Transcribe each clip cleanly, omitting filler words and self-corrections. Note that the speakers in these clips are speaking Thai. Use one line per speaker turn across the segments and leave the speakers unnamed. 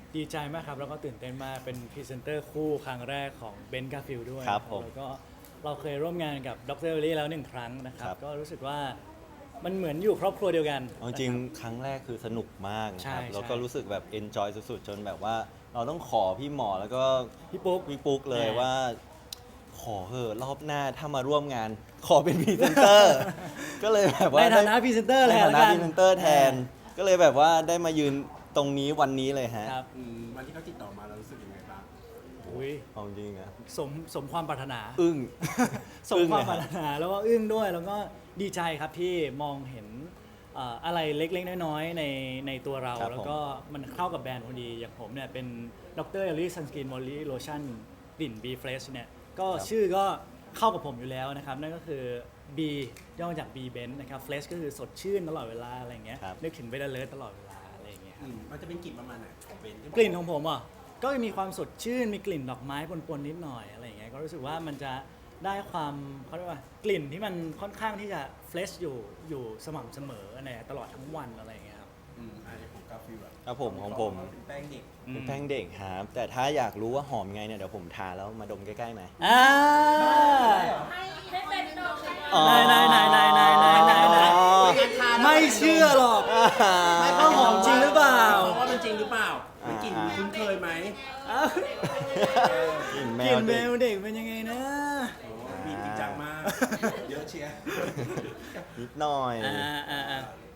ดีใจมากครับแล้วก็ตื่นเต้นมากเป็นพรีเซนเตอร์คู่ครั้งแรกของเบนซ์กาฟิลด้วย
ครับผม
แล้วก็เราเคยร่วมงานกับดรเอลลี่แล้ว1 ครั้งนะครับ
ครับ
ก็รู้สึกว่ามันเหมือนอยู่ครอบครัวเดียวกัน
เอาจริงครั้งแรกคือสนุกมากนะ
ใช่
ครับ
ใช่
แล้วก็รู้สึกแบบ enjoy สุดๆ จนแบบว่าเราต้องขอพี่หมอแล้วก็
พี่ปุ๊ก
พี่ปุ๊กเลย
แน่
ว่า ขอเถอะรอบหน้าถ้ามาร่วมงาน ขอเป็นพรีเซนเตอร์ ก็เลยแบบว่า
ในฐานะพรีเซนเตอร์
ใน
เลย
ฐานะ
แล้วกั
พรีเซนเตอร์แทน ก็เลยแบบว่าได้มายืนตรงนี้วันนี้เลยฮะ
ครับ
วันที่เขาติดต่อมาเรารู้สึกยังไงบ้าง
อุ้ย
เอาจริงนะ
สมความปรารถนา
อึ้ง
สมความ
เลย
ปรารถนาแล้วก็อึ้งด้วยแล้วก็ดีใจครับที่มองเห็นอะไรเล็กๆน้อยๆในตัวเรา
ครับ
แล้วก็มันเข้ากับแบรนด์พอดีอย่างผมเนี่ยเป็นดรเอลลี่ซันสกินมอลลี่โลชั่นกลิ่น B Fresh เนี่ยก็
ครับ
ชื่อก็เข้ากับผมอยู่แล้วนะครับ นั่นก็คือ B ย่อมาจาก B Benz นะครับ Fresh ก็คือสดชื่นตลอดเวลาอะไรอย่างเงี้ย
ครับ
นึกถึงเบลเลอร์ตลอดเวลาอะไรอย่างเงี้ยครับ
มันจะเป็นกลิ่นประมาณไหนของเบนซ์
กลิ่นของผมอ่ะก็มีความสดชื่นมีกลิ่นดอกไม้ปนๆนิดหน่อยอะไรอย่างเงี้ยก็รู้สึกว่ามันจะได้ความเขาเรียกว่ากลิ่นที่มันค่อนข้างที่จะเฟรชอยู่สม่ำเสมอในตลอดทั้งวันอะไรอย่างเงี้ยครับ
อันนี้ของกาฟิลอะ
ครับผมของผม
เป็นแป้งเด็ก
เป็นแป้งเด็กครับแต่ถ้าอยากรู้ว่าหอมไงเนี่ยเดี๋ยวผมทาแล้วมาดมใกล้ๆไหม
อ่า
ให้เป็นดอกเลย
อ๋อ
นายไม่เชื่อหรอกว่าหอมจริงหรือเปล่า
ว่ามันจริงหรือเปล่ามันกลิ่นคุ้นเคยไหม
กลิ่นแม
กลิ่
วน
แม
เด็ก
วเด็กเป็นยังไงนะ
บีบจริงจังมาก เยอะเชียร์
นิดหน่อย
อ่า
อ่า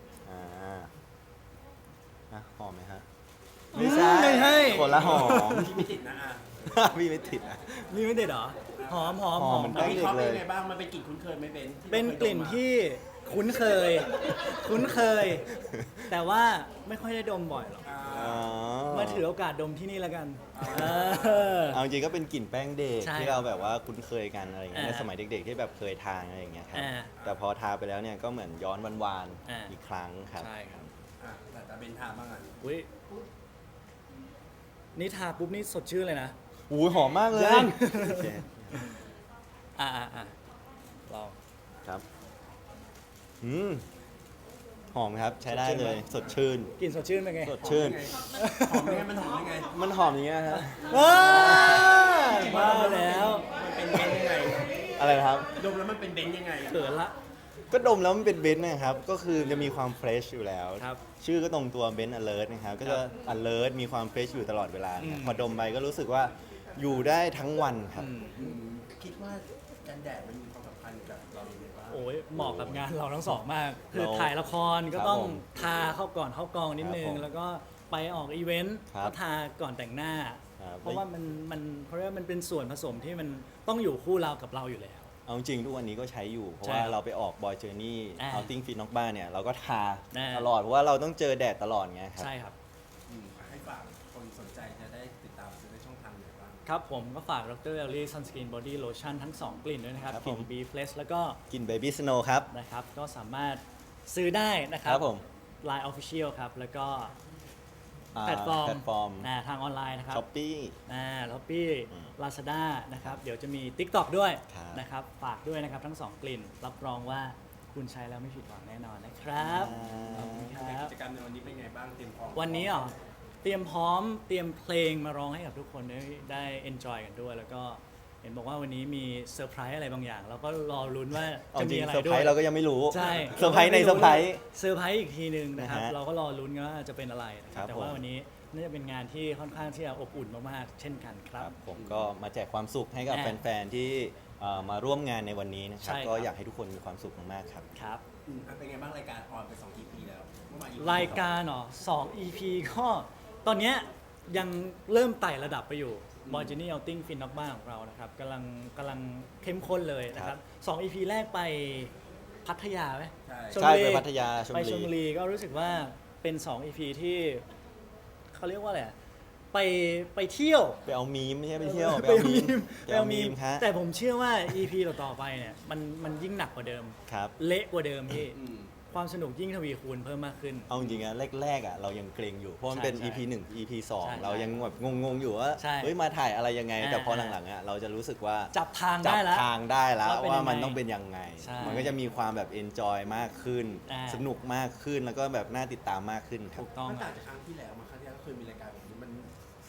หอมไหมฮะ
ไม่ใช่
คนละหอม
ที่ไม่ติดนะอ่ะ
พี่ไม่ติดอ่ะ
มีไม่เด็ดเหรอหอม
หอมเหมือน
เรา
แป้ง
วิเคราะห์เป็นยังไงบ้างมันเป็นกลิ่นคุ้นเคยไหมเบนซ์ที่
เป็นกลิ่นที่คุ้นเคย แต่ว่าไม่ค่อยได้ดมบ่อยหรอก
อ๋อ
มาถือโอกาสดมที่นี่แล้วกัน
เอาจริงก็เป็นกลิ่นแป้งเด็ก
ใช่
ที่เราแบบว่าคุ้นเคยกันอะไรอย่างเงี้ย
อ่า
ในสมัยเด็กๆที่แบบเคยทานอะไรอย่างเงี้ยครับ
อ่า
แต่พอทาไปแล้วเนี่ยก็เหมือนย้อนวาน
อ่า
ๆอีกครั้งครับ
ใช่ครับ
แต่เบนซ์ทาบ้างอ่ะ
อุ้ยนี่ทาปุ๊บนี่สดชื่นเลยนะ
อู้หอมมากเลย
ยัง
โอเค
อ่าลอง
ครับหอมครับใช้ได้เลยสดชื่น
กลิ่นสดชื่นเป็นไง
สดชื่น
หอมยังไงมันหอมยังไง
มันหอมอย่างเงี้ยฮะ
ว้ามาแล้ว
มันเป็นเบนซ์ยังไง
อะไรนะครับ
ดมแล้วมันเป็นเบนซ์ยังไง
เขินละ
ก็ดมแล้วมันเป็นเบนซ์นะครับ ก็คือจะมีความเฟรชอยู่แล้ว
ครับ
ชื่อก็ตรงตัวเบนซ์ alert นะครับ ก็จะ alert มีความเฟรชอยู่ตลอดเวลานะครับพอดมไปก็รู้สึกว่าอยู่ได้ทั้งวันครับ
คิดว่ากันแดดมันมีความสำคัญกับเราอย่างไรบ้าง
โอ้ยเหมาะกับงานเราทั้งสองมาก คือ
เรา
ถ่ายละครก็
ครับ
ต้อง
ผม
ทาเข้าก่อนเข้ากองนิดนึ
ครับ
ง
ผม
แล้วก็ไปออกอีเวนต์
ครับ
ก็ทาก่อนแต่งหน้า
ครับ
เพราะว่ามันเขาเรียกว่ามันเป็นส่วนผสมที่มันต้องอยู่คู่เรากับเราอยู่แล้ว
เอาจริงทุกวันนี้ก็ใช้อยู่ เพราะ
ใช่
ว่า
ครับ
เราไปออกบอยเจอร์นี่
อ่า
outing fit นอกบ้านเนี่ยเราก็ทา
อ่า
ตลอด เพราะว่าเราต้องเจอแดดตลอดไงครับ
ใช่ครับ
ให้ฝากคนสนใจจะได้ติดตามซื้อในช่องทางไหนบ้าง
ครับผมก็ฝากดรเอลลี่ซันสกินบอดี้โลชั่นทั้ง 2 กลิ่นด้วยนะครับ
ครับ
กลิ่น
ผม
B Fresh แล้วก็
กินเบบี้สโนว์ครับ
นะครับ ก็สามารถซื้อได้นะครั
ครับผม
Line Official ครับ แล้วก็
อ่า
แพลตฟอร์ม
แพลตฟอร์ม
ทางออนไลน์นะครับ
ช้อปปี้
ล็อบบี้
อืม
ลาซาด้านะครับ เดี๋ยวจะมี TikTok ด้วย
ครับ
นะครับ ฝากด้วยนะครับทั้ง 2 กลิ่น รับรองว่าคุณใช้แล้วไม่ผิดหวังแน่นอนนะครับ ขอบคุณครับ
กิจกรรมในวันนี้เป็นไงบ้างเตรียมพร้อม
วันนี้เตรียมพร้อมเตรียมเพลงมาร้องให้กับทุกคนได้ enjoy กันด้วย แล้วก็เห็นบอกว่าวันนี้มีเซอร์ไพรส์อะไรบางอย่าง เราก็รอลุ้นว่า
เอา
จะ
จริ
มี
ง
อะไร
เซอร์
ด้
ไพร
วย
ส์เราก็ยังไม่รู้
ใช่
เซอร์ไพรส์ในเซอร์ไพรส์
เซอร์ไพรส์อีกทีหนึ่งนะครับ
นะฮะ
เราก็รอลุ้นกันว่าจะเป็นอะไรนะครับ
ครับ
แต่ว่า
ผม
วันนี้น่าจะเป็นงานที่ค่อนข้างที่จะอบอุ่นมากๆ เช่นกันค
ค
รั
รับ บผมก็มาแจกความสุขให้กับ
อ่า
แฟนๆที่มาร่วมงานในวันนี้นะครับ
ใช่ครับ
ก็อยากให้ทุกคนมีความสุขมากๆครับ
ครับ
เป็นไงบ้างรายการออนไป2 EP แล้วเมื่อวาน EP
รายการ2 EP ก็ตอนเนี้ยยังเริ่มไต่ระดับไปอยู่ b o y Journey Outing Fin นอกบ้านของเรานะครับกำลังเข้มข้นเลยนะครับ2 EP แรกไปพัทยาไหม
ใช่
ชล
ใช่
บุรี
ไปพัทยาชล
ไป
บุ
ชลบุ
รี
รีก็รู้สึกว่าเป็น 2 EP ที่เขาเรียกว่าอะไรอะไปเที่ยว
ไปเอามีมไม่ใช่ไปเที่ยว
ไปเอามีม
ไปเอามีมฮะ
แต่ผมเชื่อว่า EP ต่อๆไปเนี่ยมันยิ่งหนักกว่าเดิม
ครับ
เละกว่าเดิมพี่
อืม
ความสนุกยิ่งทวีคูณเพิ่มมากขึ้น
เอาจริงๆอะแรกๆอะเรายังเกรงอยู่เพราะมันเป็น
ใช่
EP 1 EP
ใช่
2 เรายังแบบงงๆอยู่ว่า
ใช่
เฮ้ยมาถ่ายอะไรยังไง แต่พอ
อ่า
หลังๆอะเราจะรู้สึกว่า
จับทาง
จั
ได้แล้ว
ทางได้แล้ว
ว่าเป็น
ว่า
ยังไง
มันต้องเป็นยังไง
ใช่
มันก็จะมีความแบบ enjoy มากขึ้น
อ่า
สนุกมากขึ้นแล้วก็แบบน่าติดตามมากขึ้นครับ
ถูกต้อง
มัน
ค
ต่า
รับ
งจากครั้งที่แล้วมาครั้งที่แล้วเคยมีรายการแบบนี้มัน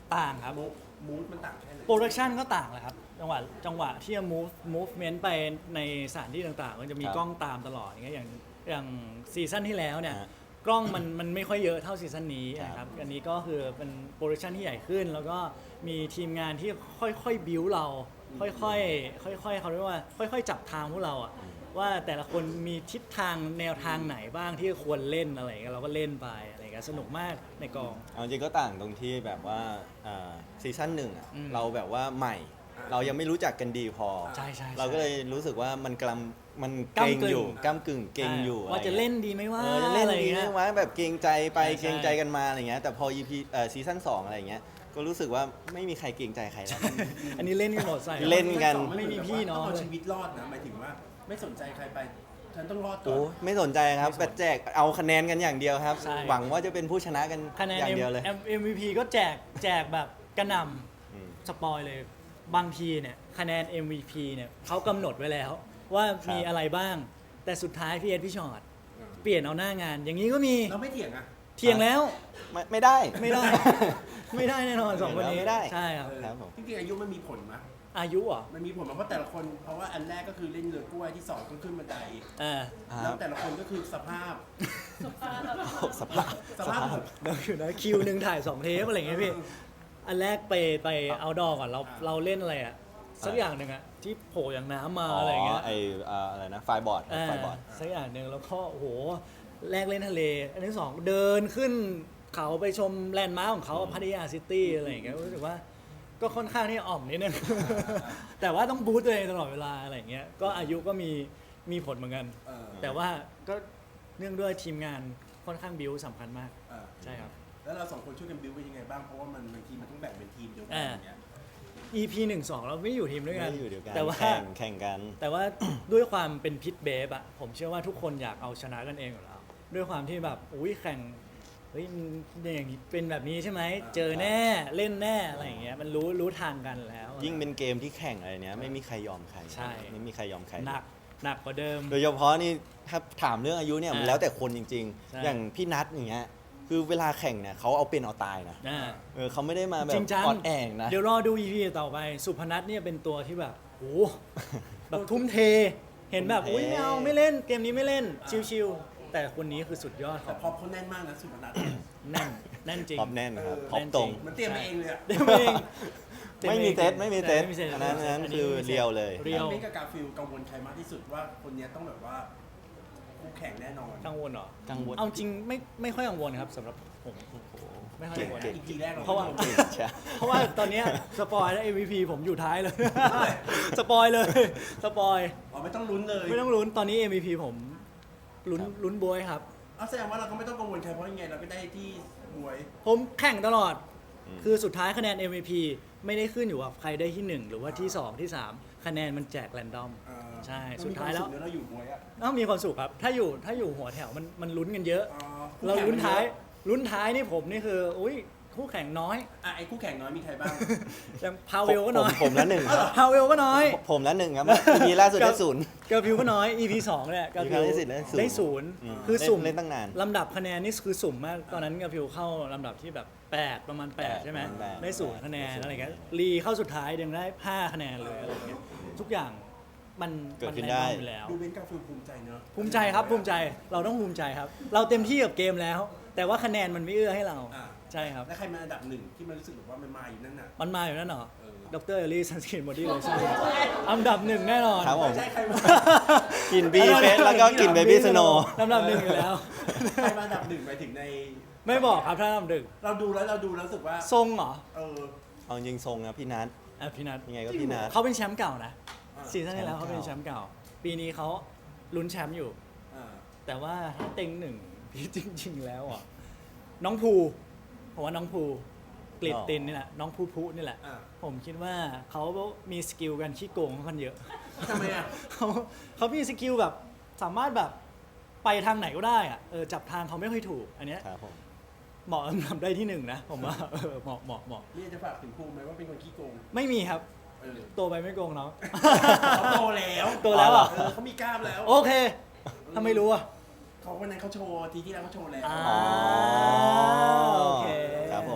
ต่างครับ
มูดมันต่างแค่ไหน
โปรดักชันก็ต่างแหละครับจังหวะที่จะ movement ไปในสถานที่ต่างๆ มันจะมี
ครับ
กล้องตามตลอดอย่างเงี้ยอย่างซีซั่นที่แล้วเนี่ย
ฮะ
กล้องมันไม่ค่อยเยอะเท่าซีซั่นนี้
ครับ
นะครับอันนี้ก็คือเป็นโปรดักชันที่ใหญ่ขึ้น แล้วก็มีทีมงานที่ค่อยๆบิวเราค่อยๆเขาเรียกว่าค่อยๆจับทางพวกเราอะว่าแต่ละคนมีทิศทางแนวทางไหนบ้างที่ควรเล่นอะไรอย่างเงี้ยเราก็เล่นไปอะไรอย่างเงี้ยสนุกมากในกอง
เอาจริงก็ต่างตรงที่แบบว่าซีซั่นหนึ่งอะ
อืม
เราแบบว่าใหม่ เรายังไม่รู้จักกันดีพอ
ใช่ๆๆ
เราก็เลยรู้สึกว่ามันมันเก
ก้ำ
รง
กึ่ง
อยู่ก้ำกึ่งเกรงอยู่
ว่าจะเล่นดีไหมว่า
จะเล่น
อะไร
ดี
เงี้
ไหม
ย
วะแบบเกรงใจไป
ใช่
เกรงใจกันมาอะไรเงี้ยแต่พอ EP ซีซั่น2อะไรเงี้ยก็รู้สึกว่าไม่มีใครเกรงใจใครแล้ว
อันนี้เล่นกันหมดใส่
เล่นกัน
ไม่มีพี่น้อง
ต้องเอา
เลย
ชีวิตรอดนะหมายถึงว่าไม่สนใจใครไปฉันต้องรอดก่อ
โอ้
น
ไม่สนใจครับแต่แจกเอาคะแนนกันอย่างเดียวครับ
ใช่
หวังว่าจะเป็นผู้ชนะกัน
คะแนน
อย่างเดียวเลย
MVP ก็แจกแบบกระหน
อืม
ำสปอยเลยบางทีเนี่ยคะแนน MVP เนี่ยเขากำหนดไว้แล้ว ว่า
ครับ
มีอะไรบ้าง แต่สุดท้ายพี่เอ็ดพี่ชอตเปลี่ยนเอาหน้างาน อย่างนี้ก็มี
เราไม่เถียงอ่ะ
เทียงแล้ว
ไม่ได้
ไม่ได้ ไม่ได้แน่นอนสองคนนี้
ไม่ได้
ใช่ครับ
เออ
ครับผม
จริงๆอายุมันมีผลไหม
อายุเหรอ
มันมีผลไหมเพราะแต่ละคนเพราะว่าอันแรกก็คือเล่นเรือกล้วยที่สองก็ขึ้นบันได
เออ
แล้วแต่ละคนก็คือสภาพ
สภาพ
สภาพแบบ
เดี๋ยวอยู่นะคิวหนึ่งถ่าย2 เทปอะไรอย่างเงี้ยพี่ อันแรกไปเอาดอก่อนเราเล่นอะไรอะสักอย่างหนึ่งอะที่โผล่อย่างน้ำมาอะไรอย่างเงี้ย
ไออะไรนะไฟบอร์ดไฟบอร์ด
สักอย่างหนึ่งแล้วก็โอ้โหแรกเล่นทะเล อันที่สองเดินขึ้นเขาไปชมแลนด์มาร์คของเขาพัทยาซิตี้อะไรอย่างเงี้ยรู้สึกว่าก็ค่อนข้างที่อ่อมนิดนึง แต่ว่าต้องบูสต์ตัวเองตลอดเวลาอะไรอย่างเงี้ยก็อายุก็มีผลเหมือนกัน
เออ
แต่ว่าก็เนื่องด้วยทีมงานค่อนข้างบิวสำคัญมาก
เออ
ใช่ครับ
แล้วเราสองคนช่วยกันบิวเป็นยังไงบ้างเพราะว่ามันบางทีมันต้องแบ่งเป็นทีมเดียวกัน
อ่า
อย่างเงี้ย
EP 1-2 เราไม่อยู่ทีมด้วยกัน
ไม่ได้อยู่เดียวกัน
แต่ว่า
แข่งกัน
แต่ว่า ด้วยความเป็นพิษเบฟอะผมเชื่อว่าทุกคนอยากเอาชนะกันเองอยู่แล้วด้วยความที่แบบอุ้ยแข่งเฮ้ยมันอย่างนี้เป็นแบบนี้ใช่ไหมเจอแน่เล่นแน่อะไรอย่างเงี้ยมันรู้ทางกันแล้ว
ยิ่งเป็นเกมที่แข่งอะไรเนี้ยไม่มีใครยอมใคร
ใช่
ไม่มีใครยอมใคร
หนักกว่าเดิม
โดยเฉพาะนี่ถ้าถามเรื่องอายุเนี่ยมัน
อ่า
แล้วแต่คนจริง
ใช่
ๆ อย่างพี่นัทอย่างเงี้ยคือเวลาแข่งเนี่ยเขาเอาเป็นเอาตายนะ
อ่า
เขาไม่ได้มาแบ
จ
บ
ริงจัง
อ่อนแองนะ
เดี๋ยวรอดู EP ต่อไปสุพนัทเนี่ยเป็นตัวที่แบบโอ้โหแบบทุ่มเท เห็นแบบ
ทุ่มเท
อุ้ยไม่เอาไม่เล่นเกมนี้ไม่เล่นชิวๆแต่คนนี้คือสุดยอดข
แต่
อง
พอเขาแน่นมากนะสุพนัท
แน่นจริง
พร้อมแน่นครับ
เออ
พร้อมตรง
มันเตรียมมาเองเลยอะ
เดี๋ยวเอง
ไม่มีเซตไม่มีเซต
ไม่มีเซต
อันนั้นคือเรียวเลย
เรียว
เมกกับกาฟิลกังวลใครมากที่สุดว่าคนเนี้ยต้องแบบว่าคู่แข่งแน่นอน
กังวลเหรอ
กังวล
เอาจริงไม่ค่อยกังวลครับสำหรับผมไม่ค่อยกังวล
เก่ง
อีกทีแรกเรา
เพราะว่า
เก่งใช่
เพราะว่าตอนเนี้ยสปอยแล้ว MVP ผมอยู่ท้ายเลย สปอยเลยสปอย
อ๋อไม่ต้องลุ้นเลย
ไม่ต้องลุ้นตอนนี้ MVP ผมลุ้นบวยครับ
เอาแสดงว่าเราก็ไม่ต้องกังวลใครเพราะยังไงเราก็ได้ที่บวย
ผมแข่งตลอด
อืม
คือสุดท้ายคะแนน MVP ไม่ได้ขึ้นอยู่กับใครได้ที่ 1 หรือว่าที่ 2 ที่ 3 คะแนนมันแจกแรนดอม ใช่สุดท้ายแล้ว
เราอยู่บวยอะ
ต้องมีความสุขครับ ถ้าอยู่หัวแถวมันลุ้นกันเยอะ
อ๋อ
เราลุ้นท้ายนี่ผมนี่คืออุ้ยคู่แข่งน้อย
อ่ะไอ้คู่แข่งน้อยมีใครบ้าง
อย่างพาเวลก็น้อย
ผมละหนึ่งครับ
พาเวลก็น้อย
ผมละหนึ่งครับมีล่าสุดได้ศูนย์
เกอร์พิวก็น้อย EP 2เนี่ยเกอร์พิว
EP ได้
ได้ศูนย์
อืม
คือสุ่ม
เล่นตั้งนาน
ลำดับคะแนนนี่คือสุ่มมาก ตอนนั้นเกอร์พิวเข้าลำดับที่แบบ 8 ประมาณ 8 ใช่ไหม
ประมาณ8
ได้ศูนย์คะแนนอะไรเงี้ยรีเข้าสุดท้ายยังได้ 5 คะแนนเลยอะไรเงี้ยทุกอย่างมัน
เกิดขึ้น
มั
ได้
แน่นอนอยู่แล้ว
ดูเบนกาฟิลภูมิใจเนอะ
ภูมิใจครับภูมิใจเราต้องภูมิใจครับ เราเต็มที่กับเกมแล้ว แต่ว่าคะแนนมันไม่เอื้อให้เรา
อ่ะ
ใช่ครับ
แล้วใครมาอันดับหนึ่งที่มันรู้สึกแบบว่ามันมาอยู่นั่นน่ะ
มันมาอยู่นั่นเหรอ
เออ
ดรเอลลี่ซันสกินบอดี้โลชั่นอันดับ 1 แน่นอน
ครับผม
ไม่ใช่ใครมา
กินบีเฟสแล้วก็กินเบบี้สโน
ลำดับ 1อยู่แล้ว
ใครมาอันดับหนึ่งหมายถึงใน
ไม่บอกครับถ้าลำดับ
เราดูแล้วรู้สึกว่า
1ทรงเหรอ
เออ
เอาจริงทรงนะพี่นัท
อ่ะพี่นัท
ยังไงก็พี่นัท
เขาเป็นแชมป์เก่านะ
อ่า
ซีซั่นที่แล้วเขาเป็นแชมป์เก่า ปีนี้เขาลุ้นแชมป์อยู่
อ่า
แต่ว่าถ้าเต็งหนึ่ง พี่จริง ๆ แล้วอ่ะน้องภูผมว่าน้องภูกลิดตินนี่แหละน้องภูนี่แหละ
อ่า
ผมคิดว่าเขามีสกิลกันขี้โกงค่อนข้างเยอะ
ทำไมอ่ะ
เขามีสกิลแบบสามารถแบบไปทางไหนก็ได้อะจับทางเขาไม่ค่อยถูก อันเนี้ย
ครับผม
เหมาะทำได้ที่หนึ่งนะผมว่า เหมาะ
นี่จะฝากถึงภูมิไหมว่าเป็นคนขี้โกง
ไม่มีครับ
เออ
โตไปไม่โกงเนาะ
เขาโตแล้ว
โตแล้วเหรอ
เออเขามีกล้ามแล้ว
โอเคถ้าไม่รู้อ่ะ
เขาวันนั้นเขาโชว์ทีที่แล้วเขาโชว์แล้ว
อ่า
อ๋อ
โอเค
ครับผม
แต่ของ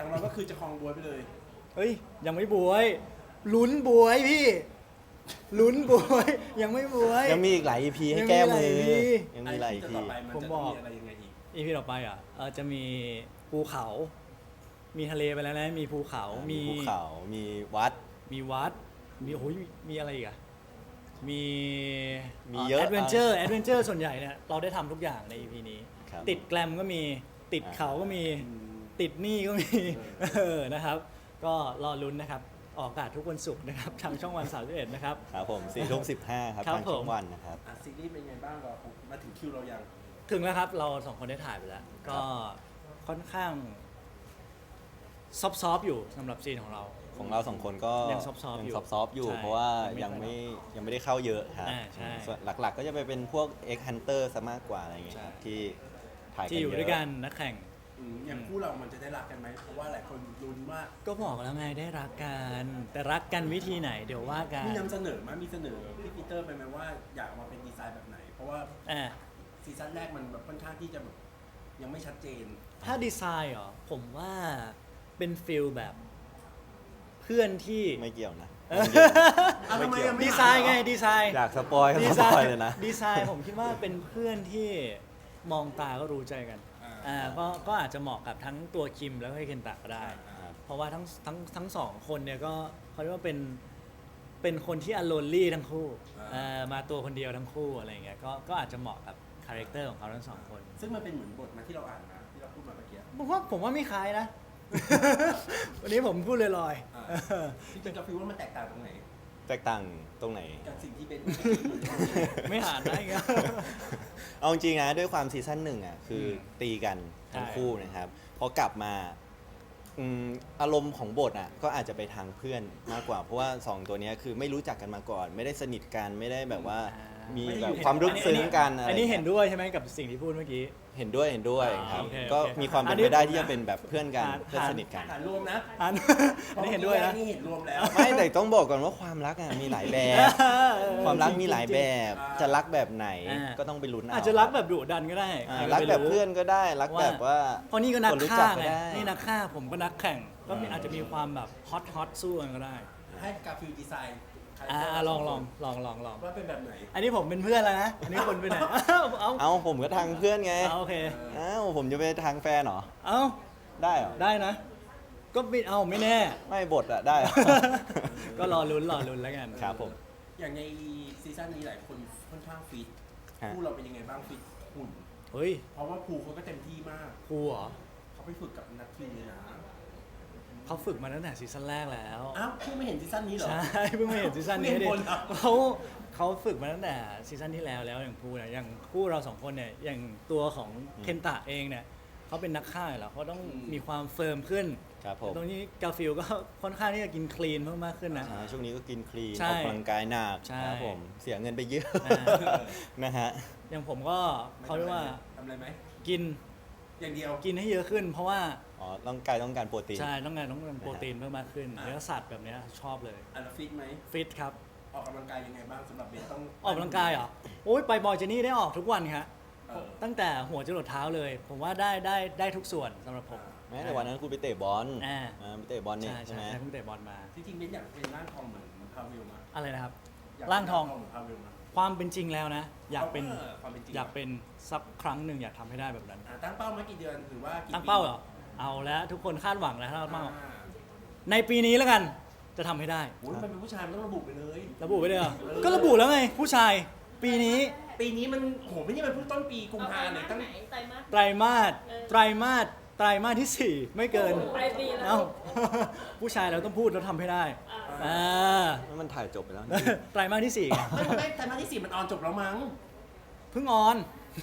ของเราก็คือจะครองบวยไปเลย
เฮ้ย ยังไม่บวยลุ้นบวยพี่ลุ้นบวยยังไม่บวย
ยังมีอีกหลาย EP ให้แก้มือ
ยังมีหลาย EP
ยังมีหลาย EP
ต่อไปมัน
ผม
จะ
บ
ต้อ
อง ก
มีอะไรยังไงอีก
EP ต่อไปอ่ะจะมีภูเขา มีทะเลไปแล้วนะมีภูเขา
มี
มี
ภูเขา มีวัด
มีวัด มีโอ้ยมีอะไรอีกอะมี
มีเยอะ
แอดเวนเจอร์ส่วนใหญ่เนี่ยเราได้ทำทุกอย่างใน EP นี้
ครับ
ติดแกลมก็มีติดเขาก็มี ติดหนี้ก็มี นะครับ ก็รอลุ้นนะครับ ออกอากาศทุกวันศุกร์นะครับ ทางช่องวัน31นะครับ
ครับผม4:15ครับ
ครับ
ทางช่อง
ผม
วันนะครับ
ซีรีส์เป็นไงบ้างเรามาถึงคิวเรายัง
ถึงแล้วครับ เราสองคนได้ถ่ายไปแล้ว ก็ค่อนข้างซอฟๆอยู่สำหรับซีนของเรา
ของเราสองคนก็
ยังซอฟต์ๆอยู่
ยังซอฟต์ๆอยู่
ใช่
เพราะว่า
ยั
ยัง
งไม่
ไม่ได้เข้าเยอะครับ
ใช่
ส่วนหลักๆ ก็จะไปเป็นพวก X Hunter ซะมากกว่าอะไรเงี้ยครับ
ใช่
ที่ถ่ายกัน
ที่อยู่
เยอะ
ด้วยกันนักแข่ง
อย่างคู่เรามันจะได้รักกันไหมเพราะว่าหลายคนลุ้นว่า
ก็บอกแล้วไงได้รักกัน แต่รักกันวิธีไหนเดี๋ยวว่ากัน
มีนำเสนอมั้ยมีเสนอพี่ปีเตอร์ไปไหมว่าอยากเอามาเป็นดีไซน์แบบไหน เพราะว่า
อ่ะ
ซีซั่นแรกมันแบบค่อนข้างที่จะแบบยังไม่ชัดเจน
ถ้าดีไซน์เหรอผมว่าเป็นฟิลแบบเพื่อนที่
ไม่เกี่ยวนะ
เอาทำไมยังไม่
ดีไซน์ไงดีไซน์
อยากสปอยก็
ดี
ส
ไซ
ปอย
น์
เลยนะ
ดีไซน์ผมคิดว่าเป็นเพื่อนที่มองตาก็รู้ใจกันก็อาจจะเหมาะกับทั้งตัวคิมแล้วก็เคนตะก็ได้ เพราะว่าทั้งสองคนเนี่ยก็เขาเรียกว่าเป็นคนที่อโลนลี่ทั้งคู่มาตัวคนเดียวทั้งคู่อะไรอย่างเงี้ยก็อาจจะเหมาะกับคาแรคเตอร์ของเขาทั้งสองคน
ซึ่งมันเป็นเหมือนบทมาที่เราอ่านมาที่เราพูดมาเมื่อกี้
ผมว่าไม่คล้ายนะ วันนี้ผมพูดลอย
พี่จะฟีลว่ามันแตกต่างตรงไหน
แตกต่างตรงไหน
จากสิ่งที่เป็น
ๆ ไม่หานได้ไง
เอาจริงๆนะด้วยความซีซั่นหนึ่งอ่ะคือตีกันทั้ง
ใช่
คู่นะครับพอกลับมาอารมณ์ของบทอ่ะก็อาจจะไปทางเพื่อนมากกว่า เพราะว่า 2 ตัวเนี้ยคือไม่รู้จักกันมาก่อน ไม่ได้สนิทกันไม่ได้แบบว่ามีแบบความลึกซึ้งกันอะไร
อันนี้เห็น
งี้ย
ด้วยใช่ไหมกับสิ่งที่พูดเมื่อกี้
เห็นด้วยครับ
โอเค
ก็
โอเค
มีความเป็น
อันนี้
ไปได้ที่จะเป็นแบบเพื่อนกัน
อ่า
เพื่อนสนิทกัน
ฐานรวมนะ
อัน อันนี้เห็นด้วยนะ
นี่เห็นรวมแล้ว
ไม่แต่ต้องบอกก่อนว่าความรักอ่ะมีหลายแบบ ความรักมีหลายแบบ
อ่า
จะรักแบบไหน
อ่า
ก็ต้องไปลุ้นเอา
อาจจะรักแบบดุดันก็ได้
อ่า
ใค
รัก
จะไป
แบบเพื่อนก็ได้รักแบบว่า
เพราะนี่ก็นัก
คนรู้
ฆ่า
จักก็
ไง
ได้
นี่นักฆ่าผมก็นักแข่ง ก็อาจจะมีความแบบฮอตสู้กันก็ได้
ให้กาฟิลดีไซน์
ลอง
ว่าเป็นแบบไหน
อันนี้ผมเป็นเพื่อนแล้วนะ อันนี้คนเป็นไหนเอา
เอาผมก็ทางเพื่อนไง
โอเค
เอ้าผมจะไปทางแฟนเหรอ
เอา
ได้เหรอ
ได้นะ ก็ไม่เอาไม่แน่
ไม่บทอะได้เหรอ
ก็รอลุ้นแล้วกัน
ครับผม
อย่างในซีซั่นนี้หลายคนค่อนข้างฟิต
ฮะ
คู่เราเป็นยังไงบ้างฟิตหุ่น
เฮ้ย
เพราะว่าภูเขาก็เต็มที่มาก
ครูเหรอ
เขาไปฝึกกับนักคิวเลยนะ
เขาฝึกมาตั้งแต่ซีซั่นแรกแล้ว
อ้าวเพิ่งไม่เห็นซีซั่นนี้เหรอ
ใช่ เพิ่งมาเห็นซีซั่นนี้
เพิ่ง
ดิ
เห็นคนเหรอ
เขาฝึกมาตั้งแต่ซีซั่นที่แล้วอย่างพูเนี่ยอย่างคู่เราสองคนเนี่ยอย่างตัวของเคนตะเองเนี่ยเขาเป็นนักฆ่าอยู่แล้วเขาต้องมีความเฟิร์มขึ้น
ครับผม
ตรงนี้กาฟิลก็ค่อนข้างที่จะกินคลีนเพิ่มมากขึ้นนะ
อ่าช่วงนี้ก็กินคลีน
ใช่
ออกกำลังกายหนัก
ใช่
ครับผมเสียเงินไปเยอะ
อ่า
นะฮะ
อย่างผมก็เขาเรียกว่า
ทำอะไรไหม
กิน
อย่างเดียว
กินให้เยอะขึ้น เพราะว่า
อ๋อต้องการโปรตีน
ใช่ต้องการโปรตีนเพิ่มมากขึ้นเนื้อสัตว์แบบเนี้ยชอบเลย
อันละฟิตไหม
ฟิตครับ
ออกกำลังกายยังไงบ้างสำหรับเบสต้อง
ออกกำลังกายเหรอโอ้ยไปบอยเจนี่ได้ออกทุกวันครับ
เออ
ตั้งแต่หัวจรดเท้าเลย ผมว่าได้ทุกส่วนสำหรับผม
แม้แต่วันนั้นคุณไปเตะบอล
อ่า
ไปเตะบอลเนี่ย
ใช่
ใช่ไหม
ใช่เพิ่งเตะบอลมา
จริงๆเบสอยากเป็นร่างทองเหมือนพาเวลมา
อะไรนะครับ
ยก
ร่างทอง
เหมือนพาเวลมา
ความเป็นจริงแล้วนะ อยากเป็น
ความเป็นจริง
อยากเป็นสักครั้งหนึ่งอยากทำให้ได้แบบนั้น
ตั้งเป้ามากี่เดือนหรือว่ากี่
ตั้งเป้าเหรอเอาแล้วทุกคนคาดหวังแล้วถ้า
ปี
เราเป้า
อ่า
ในปีนี้แล้วกันจะทำให้ได้
โอ้ยมันเป็นผู้ชายมันต้องระบุไปเลย
ระบุไว้เลยเหรอก็ระบุแล้วไง ผู้ชายปีนี้
ปีนี้มันโหไม่ใช่มันเพิ่งต้นปีกุม
เอา
ภา
ไตร
เนี่ย
มาส
ตั้ง
ไหนไตรมาส
ไตรมาส
เออ
ไตรมาสที่ 4 ไม่เกิน
ปลายปีแล้ว
เอ้า ผู้ชายเราต้องพูดแล้วทำให้ได้
อ่า
อ่า
มันถ่ายจบไปแล้ว
ไตรมาสที่4ไง
ไม่ไตรมาสที่ 4 มันออนจบแล้วมั้ง
เพิ่งออน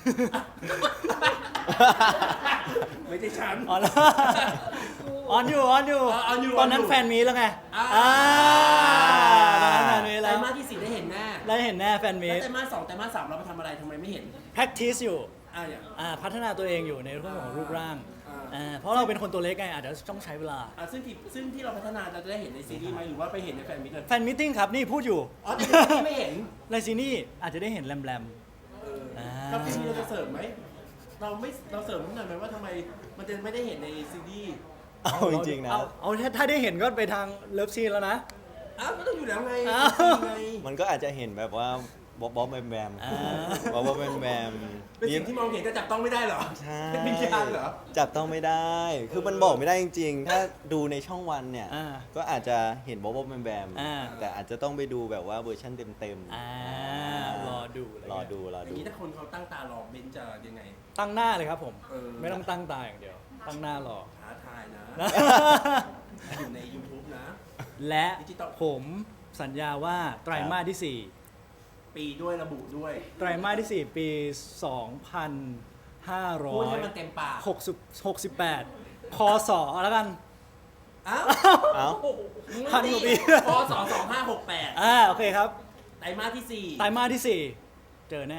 ไม่ใช่ฉัน
ออนแล้วออนอยู่
ออนอยู่
ตอนนั้น
ออนอยู่
แฟนมีแล้วไง
อ่า
ตอนนั้นแฟนมี
ไตร
แล้ว
มาสที่ 4 ได้เห็นแน่
ได้เห็นแน่แฟนมี
แล้วไตรมาส 2 ไตรมาส 3 เราไปทำอะไรทำไมไม่เห็น
practice อยู่
อย่าง
พัฒนาตัวเองอยู่ในเรื่องของรูปร่าง
อ่า
เพราะเราเป็นคนตัวเล็กไงอาจจะต้องใช้เวลา
ซึ่งที่เราพัฒนาเราจะได้เห็นในซีรีส์ไหมหรือว่าไปเห็นในแฟนมิตรเลย
แฟนมิทติ้งครับนี่พูดอยู่
อ๋อแต่ในซีรีส์ไม่เห็น
ในซีนี่อาจจะได้เห็นแรม
กับซีรีส์เราจะเสริมไหมเราเสริมนิดหน่อยไหมว่าทำไมมันจะไม่ได้เห็นในซีรีส์
ๆ
เอาจริงๆนะ
เอาถ้าได้เห็นก็ไปทางเลิฟซีนแล้วนะ
อ้าวก็ต้องอยู่แล้วไง
อ้าว
ไง
มันก็อาจจะเห็นแบบว่าบ๊อบแบมแบม
อ่า
บ๊อบแบมแบม
เป็นสิ่งที่มองเห็นแต่จับต้องไม่ได้เหรอ
ใช่
เป็นวิญญาณเหรอ
จับต้องไม่ได้ คือมันบอกไม่ได้จริงๆ ถ้าดูในช่องวันเนี่ย
อ่า
ก็อาจจะเห็นบ๊อบแบมแบม
อ่า
แต่อาจจะต้องไปดูแบบว่าเวอร์ชันเต็ม
อ่ารอดูะไ
รอดูรอ
อย่า
ดู
งนี้ถ้าคนเขาตั้งตารอเบนซ์จะยังไง
ตั้งหน้าเลยครับผม
เออ
ไม่ต้องตั้งตาอย่างเดียว ตั้งหน้ารอ
ท้าทายนะ
นะ
อยู่ใน YouTube นะ
และ
ดิจิตอล
ผมสัญญาว่าไตรมาสที่
ปีด้วยระบุด้วย
4 ไตรมาสที่ 4 ปี
พูดให้มันเต็มปาก
2568พศแล้วกัน
อ้าว
เอ้า
พันกว่าปี
พศ2568
โอเคครับ
ไตรมาสที่
ไตรมาสที่ 4 เจอแน่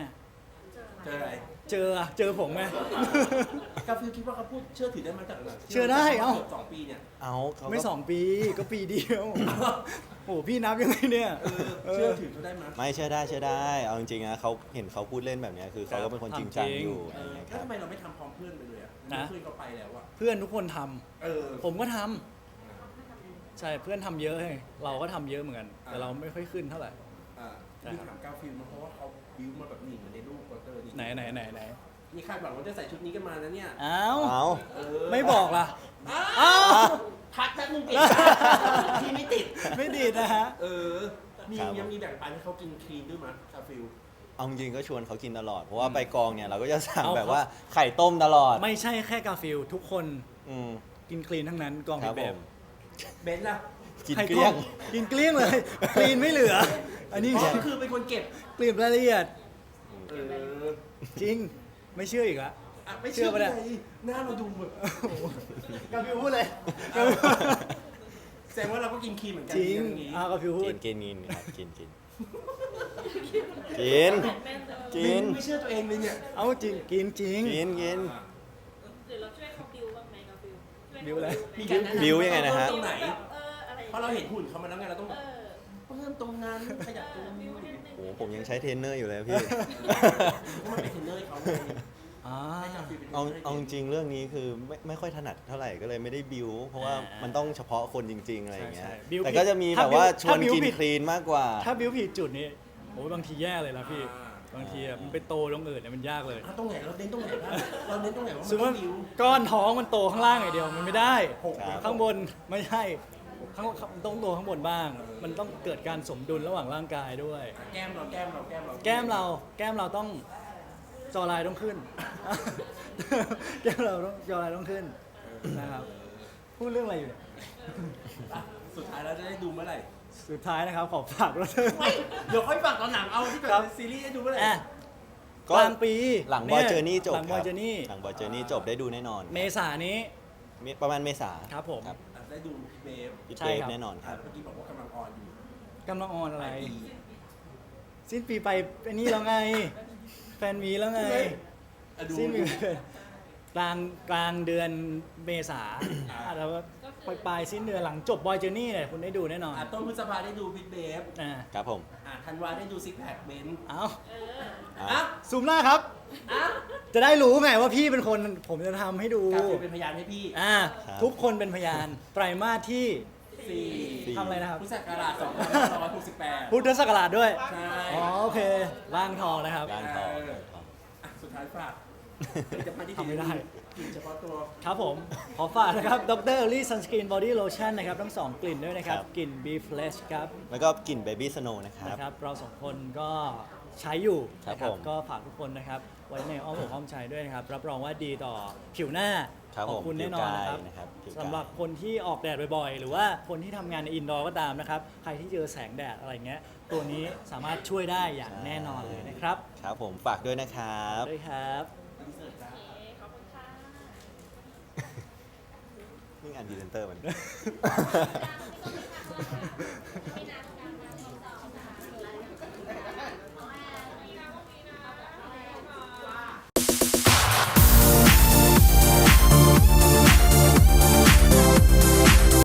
4 เจออะไร
เจอผมไหม
กาฟิลคิดว่าเขาพูดเชื่อถือได้มาจากไหน
เชื่อได้เอ้า
กือบ2 ปีเนี่ย
เอาเขาก็
ไม่ 2 ปีก็ปีเดียว โอ้โหพี่นับยังไงเนี่ย
เชื่อถือเขาได้ไหม
ไม่เชื่อได้เชื่อได้ เอาจริงๆนะเขาเห็นเขาพูดเล่นแบบเนี้ยคือเขาก็เป็นคนจริงจังอยู่
เอ
อะไร
อ
เงี้ยค
แล้ว
รับ
ทำไมเราไม่ทำพร้อมเพื่อนไปเลยอ่ะ
นะ
เพื่อนเขาไปแล้วอ่ะ
เพื่อนทุกคนทำ
เออ
ผมก็ทำใช่เพื่อนทำเยอะเลยเราก็ทำเยอะเหมือนกัน แต่เราไม่ค่อยขึ้นเท่าไหร่
อ่า
ใช่
มี
ครับ
ถามกาฟิลมาเพราะว่าเขาบิวมาแบบนี้เหมือนในรูปโปสเตอร์นี่
ไหน
นี่คาดหวังว่าจะใส่ชุดนี้กันมานะเนี่ย
อ้าว
เอา
เออ
ไม่บอกล่ะ
อ้า
อ้าว ว
ทักแป๊บนึงติดที่ไม่ติด
ไม่ดีดนะฮะ
เออ มียังมีแบ่งปันให้เขากินคลีนด้วยมั้ยกาฟิล
เอาจริงๆก็ชวนเขากินตลอด เพราะว่าไปกองเนี่ยเราก็จะสั่ง
เอา
แบบว่าไข่ต้มตลอด
ไม่ใช่แค่กาฟิลทุกคน
อืม
กินคลีนทั้งนั้นกอง
ครั
พิ
บ
เบ
ผ
บ
ม
เบนซ์ล่ะ
กิน
ไข่
เกลี้ยง
ต้มกินเกลี้ยงเลยคลีนไม่เหลือ อันนี้
อ๋อคือเป็นคนเก็บ
เกลี่ยรายละเอียด
เออ
จริงไม่เชื่ออีกละ
อ่ะไม่
เชื่
เชื่
อ
อ
ปะเนี่ย
เลยหน้าเราดูแบบ
กาฟิลพูดเลย
แสดงว่าเราก็กินคลีนเหมือนกั
จริง
อย่างนี้
กาฟิลพู
กิ
ด
นกินกินครับกินกินกินกิน
ไม่เชื่อตัวเองเลยเนี่ย
เอาจริงกินจริง
กินกิน
หรือเราช่วยเขาบิวบ้างไหมกับบิวช่วย
บิวอะไร
มีการแนะนำ
บิวยังไงนะฮะ
ตรงไหน
อะไร
เพราะเราเห็นหุ่นเขามาแล้วไงเราต้อง
เออ
เพิ่มตรงนั้นขยับตรงนี้
บิวนิดนึง
โอ้โหผมยังใช้เทรนเนอร์อยู่เลยพี่
มันเป็นเทรนเนอร์ให้เขาไง
อ่า
ให้กาฟิลเป็นเทรนเน
เอา
อร์ให้
เอาจริงๆเรื่องนี้คือไม่ค่อยถนัดเท่าไหร่ก็เลยไม่ได้บิวเพราะว่า
อ่ามั
มันต้องเฉพาะคนจริง ๆ อะไรอย่างเงี้ย
ใช่ใช่บิว
แต่ก็จะมี
ถ้า
แบบว่า
บิว
ชวน
ถ้าบิว
กิน
ผิด
คลีนมากกว่า
ถ้าบิวผิดจุดนี้โอ้ยบางทีแย่เลยนะพี่
อ่า
บางทีอะมันไปโตตรงอื่นเนี่ยมันยากเลย
อ่ะตรงไหนเราเน้นตรงไหนบ้างเราเน้นตรงไหนว่า
ส
มั
ม
น
ม
ต้อ
ติ
งบิว
ก้อนท้องมันโตข้างล่างอย่างเดียวมันไม่ได้
ครับ
ข้างบนไม่ใช่ต้องโตข้างบนบ้าง มันต้องเกิดการสมดุลระหว่างร่างกายด้วย
แก้มเรา
แก้มเราต้องจอลายต้องขึ้น แก้มเราต้องจอลายต้องขึ้นนะครับพูดเรื่องอะไรอยู่เนี่ย
อ่ะสุดท้ายเราจะได้ดูเมื่อไหร่
สุดท้ายนะครับขอฝากด้วย
ไม่เดี๋ยวค่อยฝากตอนหนังเอาที่แบบ
ครับ
ซีรีส์ให้ดูเมื่อไหร่
อ่ะ
ก็
กลางปี
หลังบอย
นี่
เจอร์นี่จบ
หลังบอยเจอร์นี่
หลังบอยเจอร์นี่จบได้ดูแน่นอน
เมษายนนี้
ประมาณเมษา
ครับผม
อ่ะได้ดูพี่เบฟ
พี่
ใช่
เบฟ
ครับ
แน่นอนค
อ่ะ
รับ
เมื่อกี้บอกว่ากำลังออนอยู่
กำลังออนอะไร
ปลายปี
สิ้นปีไปไอ้นี่แล้วไง แฟนมีแล้วไง
อ่ะดู
สิ้นปี
ดู
กลางเดือนเมษา
อ่า
แล้วก็ปลายสิ้นเดือนหลังจบบอยเจอร์นี่เนี่ยคุณได้ดูแน่นอน
อ่ะต้นพฤษภาได้ดูพี่เบฟ
อ่า
ครับผม
อ่ะธันวาได้ดูซิกแพคเบนซ์
เอา
อ่ะ
ซูมหน้าครับ
อ่ะ
จะได้รู้ไงว่าพี่เป็นคนผมจะทำให้ดู
กาฟิลเป็นพยานให้พี่
ครับ
ทุกคนเป็นพยาน ไตรมาสที่
สี่
ทำอะไรนะครับ
พุทธศักราช2568
พุทธศักราชด้วย
ใช่
อ๋อโอเคร่างทองนะครับ
ร้านทอง
อ่ะสุดท้ายฝากผลิตภัณฑ์ที่
ทำไม่ได้
กินเฉพาะตัว
ครับผม ขอฝากนะครับดรลี่ซันสกรีนบอดี้โลชั่นนะครับทั้งสองกลิ่นด้วยนะครับ
ครับ
กลิ่น B Fresh ครับ
แล้วก็กลิ่นเบบี้สโนว์นะครับ
นะครับ เราสองคนก็ใช้อยู่
ครับ
นะ
ผม
ก็ฝากทุกคนนะครับ ไว้ในอ้อมอกอ้อมใจด้วยนะครับ รับรองว่าดีต่อผิวหน้า
ครับ
ของ
ผม
คุณแน่นอนนะครับ
ผิวกายนะครับผิวกาย
สำหรับคนที่ออกแดดบ่อยๆ หรือว่าคนที่ทำงานในอินดอร์ก็ตามนะครับ ใครที่เจอแสงแดดอะไรเงี้ย ตัวนี้สามารถช่วยได้อย่างแน่นอนเลยนะครับ
ครับผมฝากด้วยนะครับ
ด้วยครับ
ขอบคุณค่ะ
นี่งานดีเซนเตอร์มัน
ไม่ต้อง